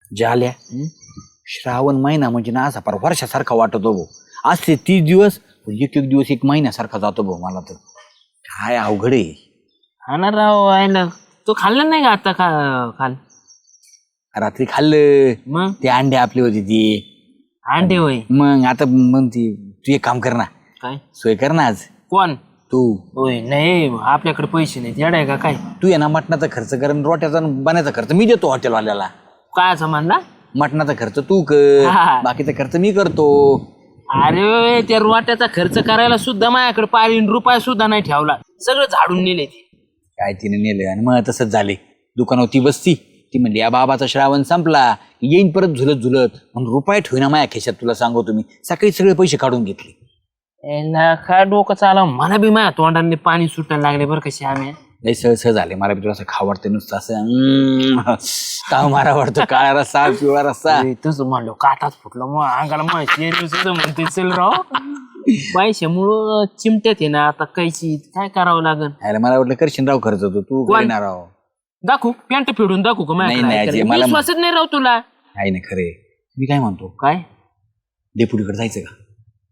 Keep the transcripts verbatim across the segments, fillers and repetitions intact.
झाल्या श्रावण महिना म्हणजे ना असा फार वर्षासारखा वाटतो भाऊ. आज ते तीस दिवस एक एक दिवस एक महिन्यासारखा जातो भाऊ. मला तर काय अवघड आहे. हा ना राव आहे ना. तो खाल्ला नाही का आता खा खाल रात्री खाल्लं मग ते अंडे आपले होते ती. अंडे होय. मग आता मग ती तू एक काम कर ना, काय सोय कर ना आज कोण तू. होय नाही आपल्याकडे पैसे नाहीत येडाय का काय. तू ये ना मटणाचा खर्च कर आणि रोट्याचा आणि बनायचा खर्च मी देतो हॉटेलवाल्याला. काय असं म्हणला. मटणाचा खर्च तू कर, हा. बाकीचा खर्च मी करतो. अरे त्या रोट्याचा खर्च करायला सुद्धा माझ्याकडे पारी रुपया सुद्धा नाही ठेवला. सगळं झाडून नेले ते. काय तिने नेलं आणि मग तसंच झाले. दुकानावर ती बसती, ती म्हणली या बाबाचा श्रावण संपला येईन परत झुलत झुलत म्हणून रुपये ठेवना माझ्या खिशात. तुला सांगू तुम्ही सकाळी सगळे पैसे काढून घेतले. याला काय डोकं चालव मला बी माझ्या तोंडाने पाणी सुटायला लागले बरं कशी आम्ही. लय सहज झाले. मला बी तुला असं खाव वाटतं नुसतं असं ताव मारा वाटतो. काळा रस्सा पिवळा रस्सा. तसं म्हणलो काटाच फुटलं मग अंगाला माझी सुद्धा म्हणते चल राव. पैशामुळं चिमट्यात आहे ना आता कैची काय करावं लागल. यायला मला वाटलं करशील राव खर्च होतो तू करणार राव. दाखवू पॅन्ट फेडून दाखवू का नाही, नाही, अजय, मला- विश्वासच नाही राव तुला. आहे ना खरे. मी काय म्हणतो काय डेपुटीकडे जायचं का?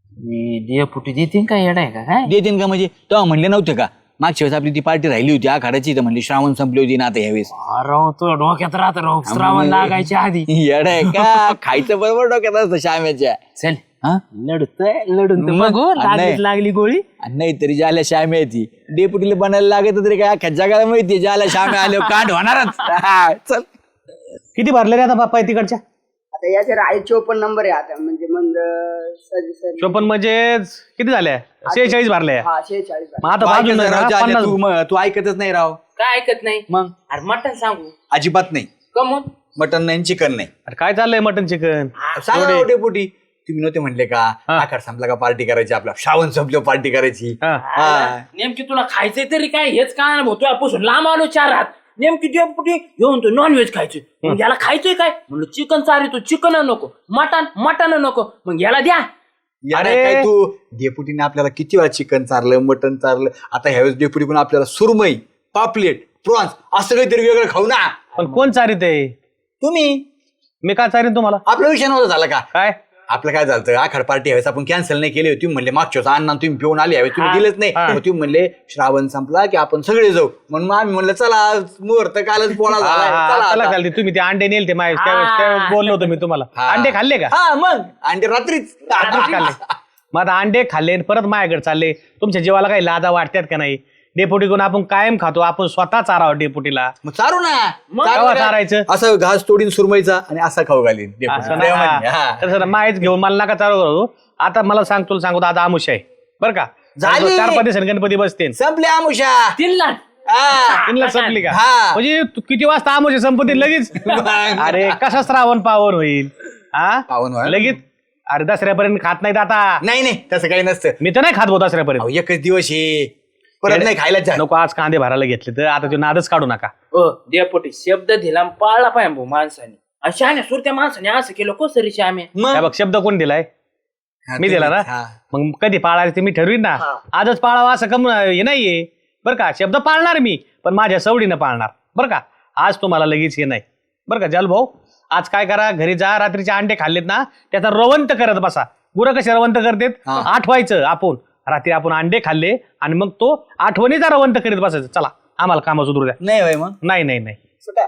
देपुटी देतील का येडा आहे का काय. देतीन का म्हणजे तेव्हा म्हणले नव्हते का मागच्या वेळेस आपली ती पार्टी राहिली होती आखाड्याची तर म्हणली श्रावण संपली होती ना आता यावेळेस. राव तुला डोक्यात राहत राव श्रावण लागायच्या आधी. येड आहे का? खायचं बरोबर डोक्यात असतं श्याम्याच्या. चल हा लढतोय लढून तर मग? बघू नाही. लागली लागली गोळी. नाही तरी ज्याला श्याम्या ती डेपुटीला बनायला लागत तरी काय अख्ख्या जगाला माहिती ज्याला श्याम्या आले कांड होणारच. हा, चल किती भरले रे आता बाप्पा तिकडच्या? आता याचे आहे चोपन्न नंबर आहे आता म्हणजे मग सज- सज- चोपन्न म्हणजे किती झाल्या? शेहेचाळीस भरले. हा शेहेचाळीस मग आता बाजून ऐकत राव, जाल्या, पन्नास. तू म- तू ऐकतच नाही राव. काय ऐकत नाही मग अरे मटण सांगू अजिबात नाही. कमून मटन नाही चिकन नाही. अरे काय चाललंय मटन चिकन? सांगा राव डेपुटी तुम्ही नव्हते म्हणले का आखाड संपला का पार्टी करायची आपला श्रावण संपल्यावर पार्टी करायची. हा. नेमकी तुला खायचंय तरी काय हेच काय भाऊ तुझ्यापासून लांब आलो चार हात. नेमकी देवपुटी घेऊन तो नॉनव्हेज खायचोय. मग याला खायचंय काय म्हणलं चिकन चारितो चिकन नको मटन मटन नको मग याला द्या. अरे अरे. काय तू डेपुटीने आपल्याला किती वेळा चिकन चारलं मटन चारलं. आता ह्यावेळेस डेपुटी पण आपल्याला सुरमई पापलेट प्रॉन्स असं काहीतरी वेगळं खाऊ ना. पण कोण चारित आहे? तुम्ही मी काय चारीन तुम्हाला? आपला विषय नव्हता झाला का? काय आपलं काय झालं आखाड पार्टी ह्यावेळेस आपण कॅन्सल नाही केली. तुम्ही म्हणले मागच्या वेळेस अण्णा तुम्ही पिऊन आले ह्यावेळेस तुम्ही हा. दिलेच नाही. हा. मग तुम्ही म्हणले श्रावण संपला की आपण सगळे जाऊ म्हणून मग आम्ही म्हणलं चला मुहूर्त कालच पोळा झालाय, चला चला आता. चालते. तुम्ही ते अंडे नेल ते माझ्या त्यावेळेस त्यावेळेस बोललो होतो मी तुम्हाला. हा. अंडे खाल्ले का? हा मग आणि रात्रीच अंडे खाल्ले. मग आता अंडे खाल्ले आणि परत माझ्याकडे चालले. तुमच्या जीवाला काही लादा वाटतात का नाही? डेपुटी कोण आपण कायम खातो आपण स्वतः चारावं डेपुटीला. मग चारू ना. मग चारू केव्हा काय? चारायचं? असं घास तोडीन सुरमईचा आणि असा खाऊ घालीन डेपुटी. असं प्रेमाने, हा. ना तसं माहीत घेऊन मला नका चालू करू. आता मला सांग तुला सांगतो आता आमुष आहे बरं का. झाली. चार पाच दिवसांनी गणपती बसते. संपले आमुषा. तीन लाख हा. तीनला संपली का? हा. म्हणजे तू किती वाजता आमुष संपत्ती लगेच? अरे कसा श्रावण पावन होईल हा पावन व्हाल. लगेच. अरे दसऱ्यापर्यंत खात नाहीत आता. नाही नाही तसं काही नसतं. मी तर नाही खात भाऊ दसऱ्यापर्यंत. अहो, एकच दिवस आहे परत नाही खायला जा. नको आज कांदे भरायला घेतले तर आता तो नादच काढू नका. हो देवपुटी शब्द दिला आणि पाळला पाहिजे भाऊ माणसाने. आणि शहाण्या सुरत्या माणसाने असं केलं कोसरी श्याम्या. मग हे बघ शब्द कोण दिलाय? हा, मी दिला ना. हा. मग कधी पाळायचं ते मी ठरवीन ना. आजच पाळावा असं कम हे नाहीये बरं का. शब्द पाळणार मी पण माझ्या सवडीनं पाळणार बरं का. आज तुम्हाला लगेच हे नाही बरं का. जाल भाऊ आज काय करा घरी जा रात्रीचे अंडे खाल्लेत ना त्याचा रवंत करत बसा. गुरं कसे रवंत करतेत हा. आठवायचं आपण रात्री आपण अंडे खाल्ले आणि मग तो आठवणीचा रवंत करीत बसायचं. चला आम्हाला काम सुधरू द्या. नाही होय मग नाही नाही नाही सुटा.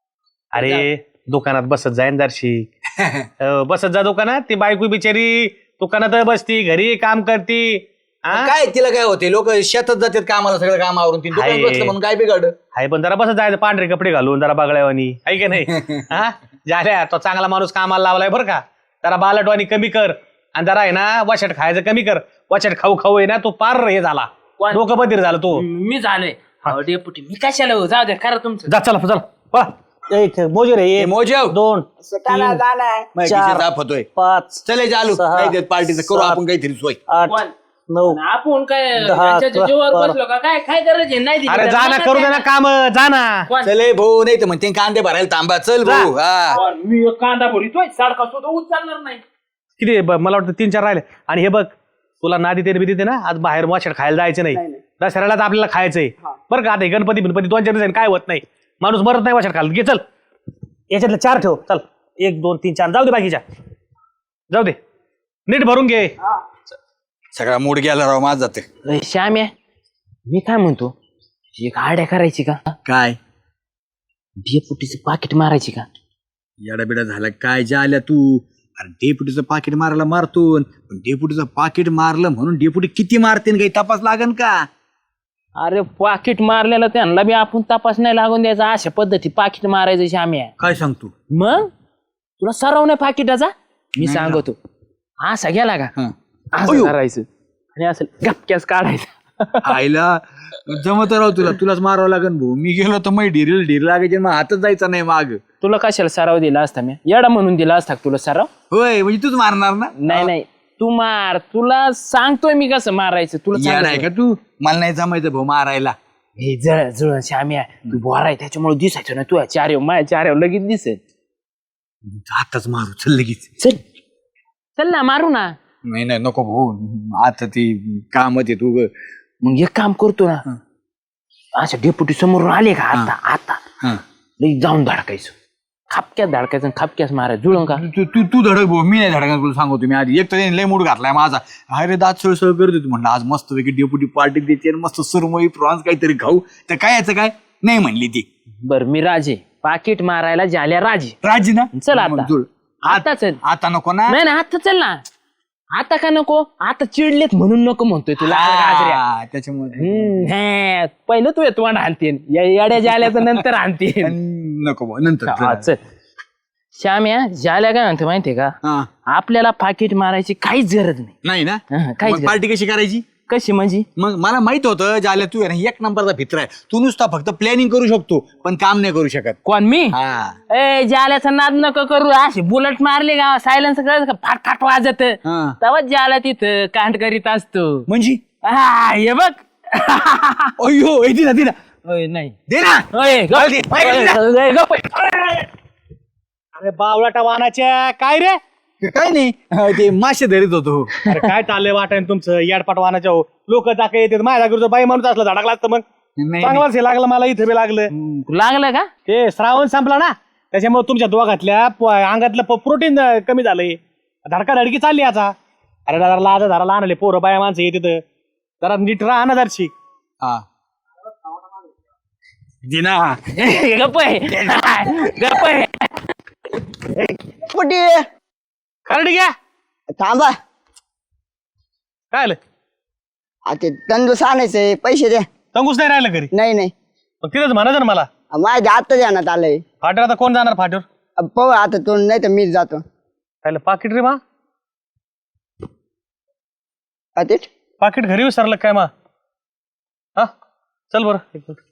अरे दुकानात बसत जाईन दर्शी. अं, बसत जा दुकानात. ती बायको बिचारी दुकानात बसती घरी काम करती. हा? काय तिला काय होते लोक शेतात जातात कामाला सगळं काम आवरून ती दुकानात आहे. बसलं म्हणून काय बिघड. आहे पण जरा बसत जायचं पांढरे कपडे घालून जरा बगळ्यावानी आहे की नाही. हा झाल्या तो चांगला माणूस कामाला लावलाय बरं का. जरा बालटवानी कमी कर आणि जरा आहे ना वचट खायचं कमी कर. वचट खाऊ खाऊ आहे ना तो पार हे झाला कोण? डोकं बधीर झाला तो. मी झालोय अहो, डेपुटी मी कशाला हो? जाऊ द्या करा तुमचं. जा चला चला पळा. एक मोजे रे हे एक मोजेव दोन सुटाला जाणार. मग चार. खिशात दाब होतोय. पाच चले चालू सहा, नाही देत पार्टीचं करू सात. आपण काहीतरी सोय. आठ कोण? नऊ. आणि आपण काय दहा, त्यांच्या अकरा, जीवावर बारा. बसलो का काय काय गरज आहे नाही दिली अरे तर जा ना मला करू दे द्या ना काम जा ना. कोण? चले भाऊ नाही तर म्हणते कांदे भरायला थांबा चल भाऊ. हा कोण? मी एक कांदा भरितोय सारखा सुद्धा उचलणार नाही. किती आहे? ब- मला वाटतं तीन चार राहिले. आणि हे बघ तुला नादी तेरी बिदी ना आज बाहेर वाचड खायला जायचं नाही. दसऱ्याला तर आपल्याला खायचंय बरं का. आता हे गणपती गणपती दोन चार दिवसांनी काय होत नाही. माणूस मरत नाही वाचड खायला. घे चल याच्यातले चार ठेव चल. एक दोन तीन चार जाऊ दे बाकीच्या जाऊ दे नीट भरून घे. सगळा मूड गेला राव माझा ते. अरे श्याम्या मी काय म्हणतो एक आड्या करायची का काय डेपुटीचं पाकिट मारायची का येडाबिडा झाला काय ज्या आल्या तू. अरे डेपुटीचं पाकिट मारायला मारतो पण डेपुटीचं पाकिट मारलं म्हणून डेपुटी किती मारते काही तपास लागन का. अरे पाकिट मारलेलं त्यांना बी आपण तपास नाही लागून द्यायचा अशा पद्धती पाकिट मारायचं श्याम्या. काय सांगतो. मग तुला सराव नाही पाकिटाचा मी सांगतो असा गेला का हं. असं करायचं आणि असं गपक्यास काढायचं. आईला जमत राव तुला तुलाच मारावं लागन भाऊ. मी गेलो तर मग ढिरील ढिर लागायचे मग हातच जायचा नाही माग. तुला कशाला सराव दिला असता मी येडा म्हणून दिला असता का तुला सराव. होय म्हणजे तूच मारणार ना. नाही नाही तू मार तुला सांगतोय मी कसं मारायचं तुला येडा आहे सांगतोय. का तू. मला नाही जमायचं भाऊ मारायला. हे जळ जळ श्याम्या तू बोराय त्याच्यामुळे दिसायचं ना तू चार माझ्या चार लगेच दिसेल. आताच मारू चल लगेच. चल चल ना मारू ना. नाही नाही नको भाऊ आता ती कामत आहे तू ग. मग एक काम करतो ना अच्छा डेपुटी समोरून आले का आता आता हं. लगेच जाऊन धडकायचं खापक्यात धडकायचं आणि खापक्यास मारायचं जुळून का. तू तू तू धडक भाऊ मी नाही धडका तुला सांगतो मी आधी. एक तर त्याने लय मूड घातलाय माझा. अरे दात सळसळ करत होती म्हणलं आज मस्त पैकी डेपुटी पार्टी द्यायची आणि मस्त सुरमई प्रॉन्स काहीतरी खाऊ. तर काय याचं काय नाही म्हणली ती. बर मी राजे पाकिट मारायला झाल्या राजे. राजी ना चल आता. मग जुळ. आता चल. आता नको ना. नाही ना आता चल ना. आता का नको आता चिडलेत म्हणून नको म्हणतोय तुला गाजऱ्या. हा, त्याच्यामुळे हम्म, हे, पहिलं तू येतो आणतीन या येड्या जाल्याचं नंतर आणतीन. नको भाऊ नंतर हा, चल श्याम्या जाल्या काय म्हणतो माहितीये का हा. आपल्याला पाकिट मारायची काहीच गरज नाही. नाही ना हा, काहीच गरज- पार्टी कशी करायची. कशी म्हणजे मग मला माहित होतं ज्याला तू आहे ना एक नंबरचा भित्र आहे. तू नुसता फक्त प्लॅनिंग करू शकतो पण काम नाही करू शकत. कोण मी हा ए जाल्याचा नाद नको करू अशी बुलेट मारली का सायलेन्स कळत का फाट फाट वाजत हा. तेव्हा जाला तिथं कांड करीत असतो. म्हणजे हा हे बघ अय्यो ए दिना दिना ओय, नाही दे ना. ओय, गप. दे, ओय, ओय, गप. अरे बावळाटा वाहनाच्या काय रे काय नाही हा, ते मासे धरीत होतो. अरे काय चाललंय वाटायन तुमचं याडपाट वाहनाच्या हो लोक जाके येतात माझ्या घरचं बाई माणूस असलं धडकला असतं मग नाही, चांगलाच हे लागलं मला इथं बी लागलं. लागलं का ते श्रावण संपला ना त्याच्यामुळे तुमच्या दोघातल्या प- अंगातलं प्रोटीन कमी झालंय धडका धडकी चालली आता. अरे जरा लाज धरा लहान पोरं बाया माणसं येत तिथं जरा नीट राहा ना जरशी. हा दिना गप आहे. गप आहे. कुठे खरं ठीक आहे थांबा काय आलं आता तंदूस आणायचंय पैसे द्या. तंगूस नाही राहिलं घरी नाही नाही मग तिथंच म्हणायचं ना मला माझ्या आता ध्यानात आलंय. फाट्यावर आता कोण जाणार फाट्यावर पाहू आता तो नाही तर मीच जातो. काय पाकिट रे मा पाकिट पाकिट घरी विसरलं काय मा हा चल बरं एक मिनिट.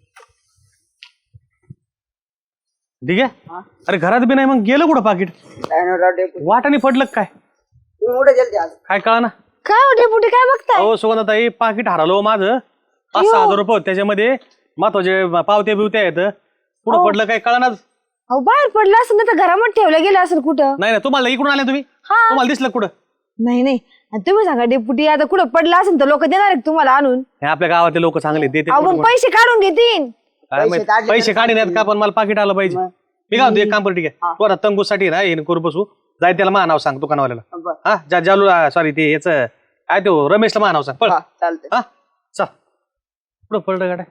ठीक आहे अरे घरात बी नाही मग गेलं कुठं पाकिट वाटाने पडलं का काय कुठे गेलते आज काय कळा ना. काय होते पुढे काय बघताय? हो सुगंधाताई पाकिट हरवलं हो माझं पाच सहा हजार रुपये होते. त्याच्यामध्ये महत्वाचे पावत्या बिवत्या आहेत पुढं पडलं काय कळणार अहो बाहेर पडलं असेल ना तर घरामध्ये ठेवलं गेलं असेल कुठं. नाही नाही तुम्हाला इकडून आले तुम्ही हा. तुम्हाला दिसलं कुठं नाही नाही आणि तुम्ही सांगा डेपुटी आता कुठं पडलं असेल तर लोक देणार आहेत तुम्हाला आणून. हे आपल्या गावातले लोक चांगले देते अहो मग पैसे काढून घेतील. काय माहित, पैसे काढण्यात का पण मला पाकिट आलं पाहिजे. मी काय म्हणतो एक काम कर ठीक आहे तू आता तंगूसाठी ना हे करू बसू जाय त्याला मा नाव सांग दुकानवाल्याला हा जा जालू सॉरी ते याच काय तो रमेशला मा नाव सांग पळ चालतंय. हा चल पुढं पडलं गाड्या.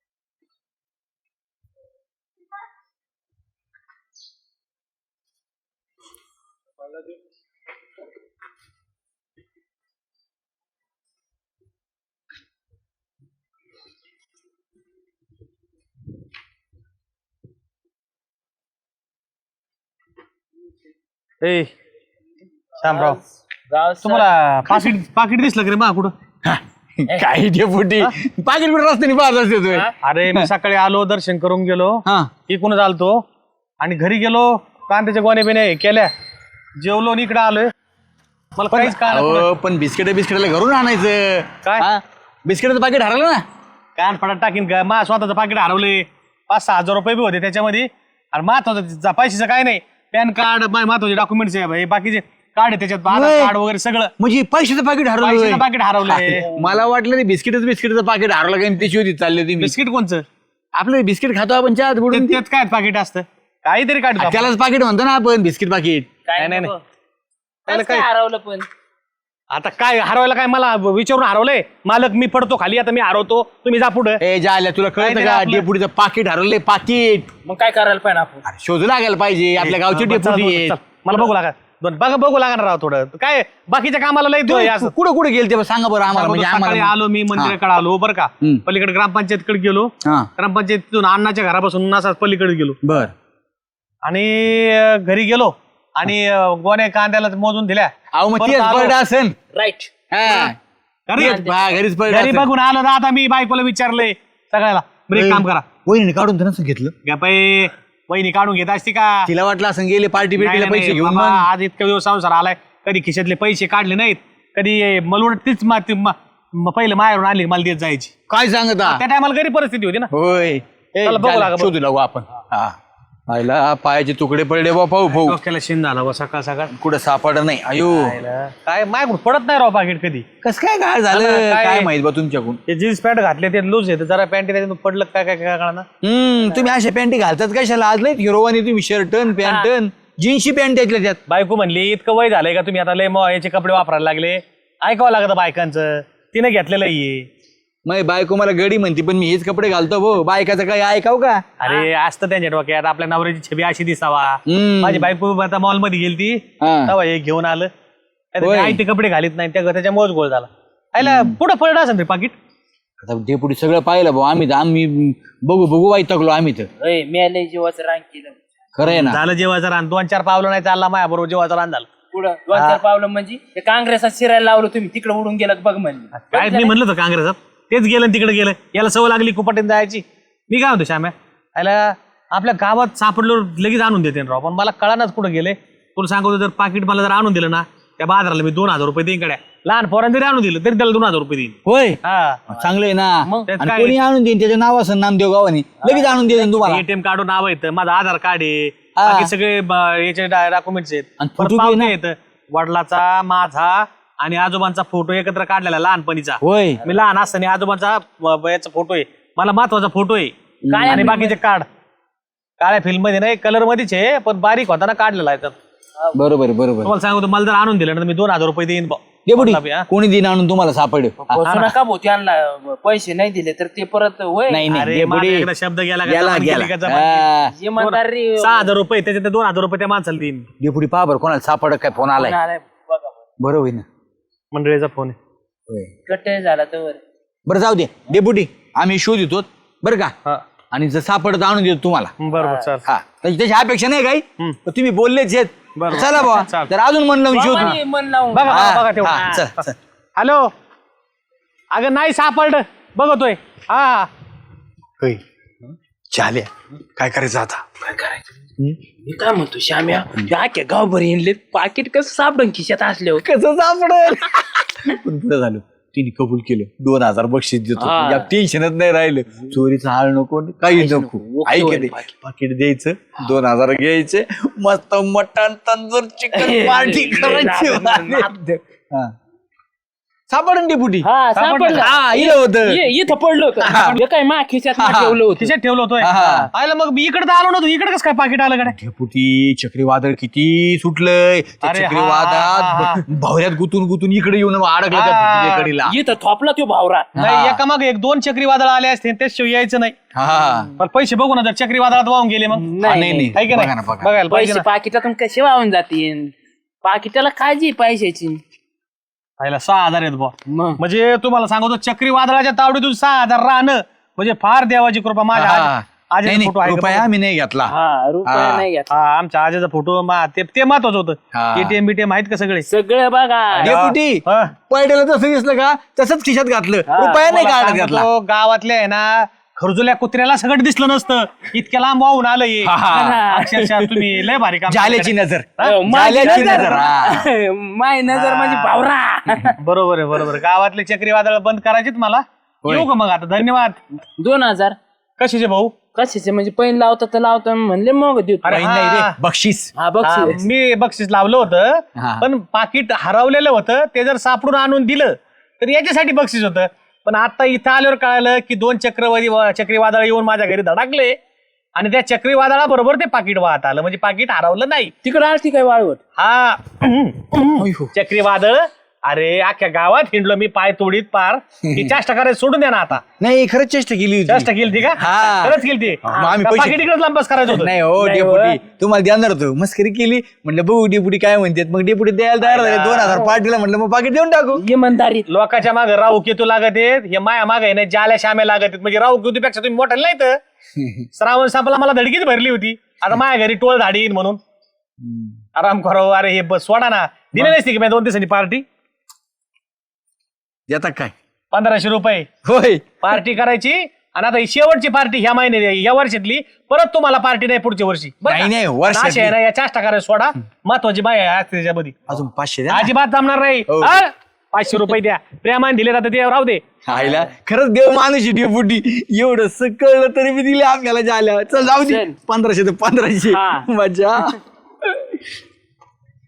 ए श्यामराव तुम्हाला पाकिट पाकिट दिसलं का रे मा कुठं काही डेपुटी पाकिट कुठं रस्त्याने पाहत असते तू. अरे मी सकाळी आलो दर्शन करून गेलो हा इकडून आलतो आणि घरी गेलो कांद्याच्या गोण्या बिण्या केल्या जेवलो आणि इकडे आलोय मला काहीच काय अहो, पण बिस्किट बिस्किटला घरून आणायचं काय? हा? बिस्किटाचं पाकिट हरवलं ना. कान पडात टाकीन का मा स्वतःचं पाकिट हरवले पाच सहा हजार रुपये बी होते त्याच्यामध्ये आणि महत्वाचं पैशाचं काय नाही पॅन कार्ड महत्वाचे डॉक्युमेंट्स आहे बाकीचे कार्ड आहे त्याच्यात आधार होय. कार्ड वगैरे सगळं म्हणजे पैशाचं पाकिट हरवलं. पैशाचं पाकिट हरवलंय. मला वाटलं ते बिस्किटच बिस्किटचं पाकिट हरवलं काही त्याची होती चालली होती मी. बिस्किट कोणचं आपलं बिस्किट खातो आपण चहा बुडून ते- त्यात काय पाकिट असतं काहीतरी काढतो आपण. त्यालाच पाकिट म्हणतो ना आपण बिस्किट पाकिट. काय नाही, नको. नाही. कसं काय- काय हरवलं पण आता काय हरवायला काय मला विचारून हरवलंय मालक मी पडतो खाली आता मी हरवतो तुम्ही जा पुढे ए जाल्या तुला कळतं काहीतरी का आपलं- डेपुटीचं पाकिट हरवलंय पाकिट. मग काय करायला पाहिजे आपण शोधू लागायला पाहिजे आपल्या गावची डेपुटी आहे. मला बघू लागा दोन बघा बघू लागणार राव थोडं काय बाकीच्या कामाला लय तू हे असं. कुठं कुठं गेल ते सांगा बरं आम्हाला म्हणजे सकाळी आम्हाला आलो मी मंदिराकडे आलो बरं का हम्म. पलीकडे ग्रामपंचायतकडे गेलो हा ग्रामपंचायतीतून अण्णाच्या घरापासून असाच पलीकडे गेलो बर आणि अं, घरी गेलो आणि अं, गोण्या कांद्याला मोजून दिल्या अहो मग परत तेच आलो. पडलं असेल. राईट हा. घरी तेच, हा, घरीच पडलं घरी असेल. बघून आलो ना आता मी बायकोला विचारलंय सगळ्याला बरं एक काम करा वहिनी काढून तर नसं घेतलं. गपाई वहिनी काढून घेत असती का तिला वाटलं असं गेले पार्टी नाही, बिर्टीला नाही, पैसे नाही, घेऊन बाबा, मग आज इतका दिवस संसार आलाय कधी खिशातले पैसे काढले नाहीत कधी मला तीच मा- ती मा- म- पहिलं माहेरून आली मला देत जायची काय सांगता. त्या टायमाला घरी परिस्थिती होती ना होय ए, चला बघू झालं, लागा, बघू. शोधू लागू आपण. हा पाहिला पायाचे तुकडे पडले बा पाहू भाऊ डोक्याला शिन झाला बा सकाळ सकाळ कुठं सापड नाही अयो काय माझ्याकडून पडत नाही राव पाकिट कधी कस काय काय झालं काय- काय माहित बा तुमच्याकडून. ते जीन्स पॅन्ट घातले ते लूज येते जरा पॅन्ट त्याच्यातून पडलं काय काय काय कळणार हम्म तुम्ही अशा पॅन्टी घालतात कशाला आज लय हिरोवानी तुम्ही शर्टन पॅन्टन जीन्सची पॅन्ट त्यातल्या त्यात. बायको म्हणली इतकं वय झालंय का तुम्ही आता लय मग याचे कपडे वापरायला लागले ऐकावं लागतं बायकांचं तिने घेतलेलं आहे मग बायको मला गडी म्हणते पण मी हेच कपडे घालतो भो बायकाचं काय ऐकाव का. अरे असतं त्यांच्या डोक्यात आपल्या नवऱ्याची छबी अशी दिसावा हम्म. माझी बायको आता मॉल मध्ये गेली ती हा. तेव्हा हे घेऊन आलं होय. आई ते कपडे घालीत नाही त्या त्याच्यामुळेच गोळ झाला आयला पुढं पडलं असेल रे पाकिट आता डेपुटी सगळं पाहिलं भाऊ आम्ही तर आम्ही बघू बघू वाईट तकलो आम्ही तर मेले जीवाचं रांग केलं खरं आहे ना. झालं जेवायचं रान दोन चार पावलं नाही चालला माझ्या बरोबर जेवायचं रान झालं पुढं दोन चार पावलं म्हणजे ते काँग्रेसात शिरायला लावलं तुम्ही तिकडे उडून गेलात बघ म्हणजे काय मी म्हणलं होतं काँग्रेसात तेच गेलं आणि तिकडे गेलं याला सवय लागली कुपाटीन जायची मी काय म्हणतो श्याम्या याला आपल्या गावात सापडलो लगेच आणून देते ना राव पण मला कळानाच कुठं गेले तुला सांगतो जर पाकिट मला जर आणून दिलं ना त्या बाजाराला मी दोन हजार रुपये देईन कडे लहान पोरांनी जरी आणून दिलं तरी त्याला दोन हजार रुपये देईन होय हा चांगलं आहे ना. त्यात आणि काय? कोणी आणून देईन त्याचं नाव असं नामदेव गावाने लगेच आणून देईन तुम्हाला. एटीएम काढून नाव येतं माझं आधार कार्ड आहे हा. बाकी सगळे ब- याचे डॉक्युमेंट्स आहेत आणि परत photo बी आहे पावती ना? येतं वडिलाचा माझा आणि आजोबांचा फोटो एकत्र काढलेला लहानपणीचा होय मी लहान असताना आजोबांचा ब- याचा फोटो आहे मला महत्वाचा फोटो आहे काळ्या आणि film बाकीचे कार्ड काळ्या फिल्म मध्ये नाही कलर मध्येच आहे पण बारीक होताना काढलेला आहे तर बरोबर आहे, बरोबर. तुम्हाला सांगतो मला जर आणून दिलं ना तर मी दोन हजार रुपये देईन बुवा. डेपुटी वडिला बी, हा. कोणी दिन आणून तुम्हाला सापडेल. बसू नका भाऊ त्यांना पैसे नाही दिले तर ते परत होय नाही नाही अरे माझा डेपुटी एकदा शब्द गेला का गेला जबान गेला गेली का जबान हा. इमानदारी गेली. सहा हजार रुपये त्याच्यात दोन हजार रुपये त्या माणसाला देईन डेपुटी पहा बरं कोणाला सापड काय फोन आलाय आलाय बघा बरं. बरं होईल ना. मंडळीचा फोन आहे होय कट्टे झाला तर बरं जाऊ दे डेपुटी आम्ही शोध येतो बरं का हा आणि जर सापडत आणून देतो तुम्हाला. बरोबर सर हा त्याची त्याची अपेक्षा नाही काही हम्म. पण तुम्ही बोललेच आहेत. बरोबर. चला बाबा चालतं. तर अजून मन लावून शोध. बाबांनी मन लावून बघा बघा बघा हा, तेवढं हा, चल, चल. हॅलो अगं नाही सापडलं बघतोय हा चाले काय करायचं आता. मी काय म्हणतो श्याम्या त्या गावभर येणले पाकिट कसं सापडून खिशात असल्यावर कसं सापडेल पण बरं झालं तिने कबूल केलं दोन हजार बक्षीस देतो हा. या टेन्शनच नाही राहिलं चोरीचं हाळ नको काही नको ओके ऐक होईल दे पाकीट. पाकिट द्यायचं दोन हजार घ्यायचे मस्त मटण तंदूर चिकन पार्टी करायची हा. सापडून डेपुटी हा सापडलं हा इलं होतं ये- इथं पडलं होतं हे काय मा खिशात मा ठेवलं होतं खिशात ठेवलं होतोय हा, हा. आयला मग मी इकडे तर आलो नव्हतो इकडे कसं काय पाकिट आलं कडे डेपुटी चक्रीवादळ किती सुटलंय त्या अरे हा, हा, चक्रीवादळात भावऱ्यात गुतून गुतून इकडे येऊन अडकलं त्या हा. भिंतीकडीला. इथं थोपला तो भावरा नाही एका मग एक दोन चक्रीवादळ आले असते त्याशिवाय यायचं नाही हा पण पैसे बघू ना जर चक्रीवादळात वाहून गेले मग हा, नाही नाही आहे की बघा नाही ना बघा बघायला पाहिजे पैसे ना. पाकिटातून कसे वाहून जातील पाकिटाला काळजी पैशाची आयला सहा हजार आहेत बुवा मग म्हणजे तुम्हाला सांगतो चक्रीवादळाच्या तावडीतून सहा हजार राहणं म्हणजे फार देवाची कृपा माझ्या हा. आजी- नाही आजीचा फोटो नाही आहे का रुपया बघा? मी नाही घेतला हा रुपया हा. नाही घेत हा आमच्या आजीचा फोटो मा- ते ते महत्वाचं होतं हा. एटीएम बीटीएम आहेत का सगळे सगळं बघा डेपुटी हा. पडलेलं तसं दिसलं का तसंच खिशात घातलं रुपया नाही तुम्हाला काढत घातला सांगतो, गावातल्या आहे ना खरजुल्या कुत्र्याला सगळं दिसलं नसतं इतक्या लांब वाहून आलं हे. हा, हा. अक्षरशः तुम्ही लय भारी काम जाल्याची केलं. नजर अ, माझी जाल्याची नजर. नजर हा. माय नजर म्हणजे भावरा बरोबर आहे बरोबर गावातले चक्रीवादळ बंद करायचेत मला होय. येऊ का मग आता धन्यवाद दोन हजार कशाचे भाऊ कशाचे म्हणजे पैन लावता तर लावता म्हणले मग देतो अरे काही नाही रे हा. बक्षीस हा बघ हा, मी बक्षीस लावलं होतं हा. पण पाकिट हरवलेलं होतं ते जर सापडून आणून दिलं तर याच्यासाठी बक्षीस होतं पण आता इथं आल्यावर कळालं की दोन चक्रवादी चक्रीवादळ येऊन माझ्या घरी धडकले आणि त्या चक्रीवादळाबरोबर ते पाकिट वाहत आलं म्हणजे पाकिट हरवलं नाही. तिकडे आलती काय वाळवट? हा चक्रीवादळ अरे अख्ख्या गावात हिंडलो मी पाय तोडीत पार ती चेष्टा करायचं सोडून द्या ना आता. नाही खरंच चेष्टा केली होती. चेष्टा केली ती का? हा. खरंच केली ती. मग आम्ही पैसे- पाकिट इकडेच लांबच करायचं होतं. नाही हो डेपुटी तुम्हाला देणार होतो मस्करी केली म्हणलं बघू डेपुटी काय म्हणतात मग डेपुटी द्यायला तयार झाले दोन हजार पार्टीला म्हणलं मग पाकिट देऊन टाकू. इमानदारी. लोकांच्या मागे राहू केतू लागत आहेत हे माया मागे नाही जाल्या श्याम्या लागत आहेत म्हणजे राहू केतूपेक्षा तुम्ही मोठा नाही तर श्रावण संपला मला धडकीच भरली होती आता माझ्या घरी टोळ धाडीन म्हणून आराम करो. अरे हे बस सोडा ना दिले नसते की मी दोन दिवसांची पार्टी देता काय पंधराशे रुपये होय पार्टी करायची आणि आता ही शेवटची पार्टी ह्या महिन्यात या वर्षातली परत तुम्हाला पार्टी नाही पुढच्या वर्षी बरं का? नाही, नाही, वर्षातली. अशी आहे ना या चाष्टा करायला सोडा महत्वाची बाय आहे आज त्याच्यामध्ये अजून पाचशे द्या ना. अजिबात जमणार नाही. हो. हा? पाचशे रुपये द्या प्रेमाने दिले जाते ते राहू दे. आईला खरंच देव माणूस डेपुटी एवढं कळलं तरी मी दिले आपल्याला झाल्या चल जाऊ दे चल. पंधराशे तर पंधराशे हा. मजा